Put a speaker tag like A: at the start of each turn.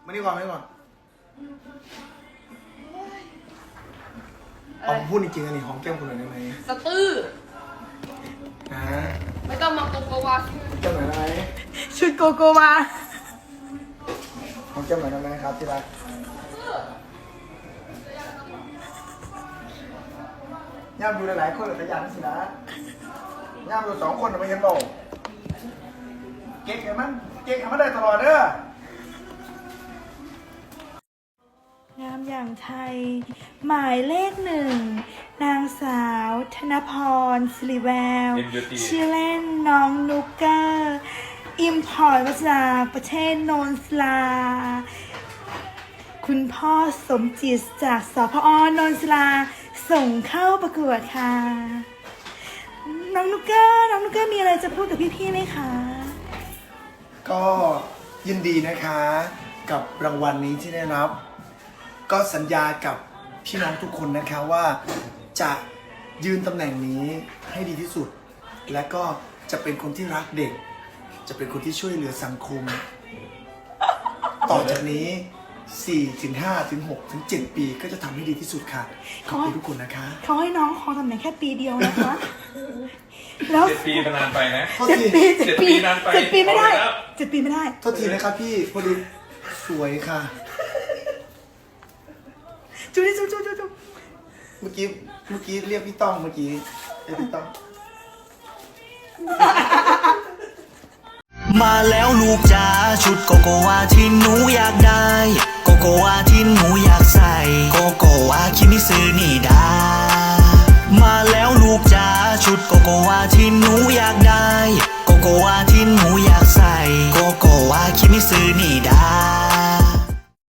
A: มานี่ก่อนเอาพูดจริงๆอันนี้หอมแก้มคุณหน่อยได้ไหม
B: สตื้อ
A: นะ
B: ไม่ต้องมาโกโกวา
A: แก้มหน่อยได้ไหม
C: ชุดโกโกวา
A: หอมแก้มหน่อยได้ไหมครับที่รักย่ามดูหลายๆคนเลยขยันสินะย่ามดู2 คนไม่เห็นโลเก่งกันมันได้ตลอดเด้อง
C: ามอย่างไทย หมายเลข 1นางสาวธนพรสิริแววชื่อเล่นน้องนุกเกอร์อิมพอร์ตมาจากประเทศโนนสลา คุณพ่อสมจิตจากสพอนนสลาส่งเข้าประกวดค่ะ น้องนุกเกอร์มีอะไรจะพูดกับพี่ๆไหมคะ
A: ก็ยินดีนะคะกับรางวัลนี้ที่ได้รับ ก็สัญญากับพี่น้องทุกคนนะคะว่าจะยืนตำแหน่งนี้ให้ดีที่สุด และก็จะเป็นคนที่รักเด็ก จะเป็นคนที่ช่วยเหลือสังคม ต่อจากนี้4 ถึง 5 ถึง 6 ถึง 7 ปีก็จะทำให้ดีที่สุดค่ะขอบคุณทุกคนนะคะ
C: เขาให้น้องครองตำแหน่งแค่ปีเดียวนะคะ แล้ว
D: 7 ปีมันนานไปนะ
A: โทษ
C: เจ็ด
A: ที
C: ปี
D: นานไป
C: เจ็ดปีไม่ได้
D: เอาไปแล้ว
C: 7 ปีไม่ได้
A: โทษทีนะครับพี่พอดีสวยค่ะ
C: จุ๊บ
A: เมื่อกี้เรียกพี่ต้องเมื่อกี้เรียกพี่ต้อง
E: มาแล้วลูกจ๋าชุดโกโกวาที่หนูอยากได้โกโกวาที่หนูอยากใส่โกโกวาคิมิซึนี่ดามาแล้วลูกจ๋าชุดโกโกวาที่หนูอยากได้โกโกวาที่หนูอยากใส่โกโกวาคิมิซึนี่ดา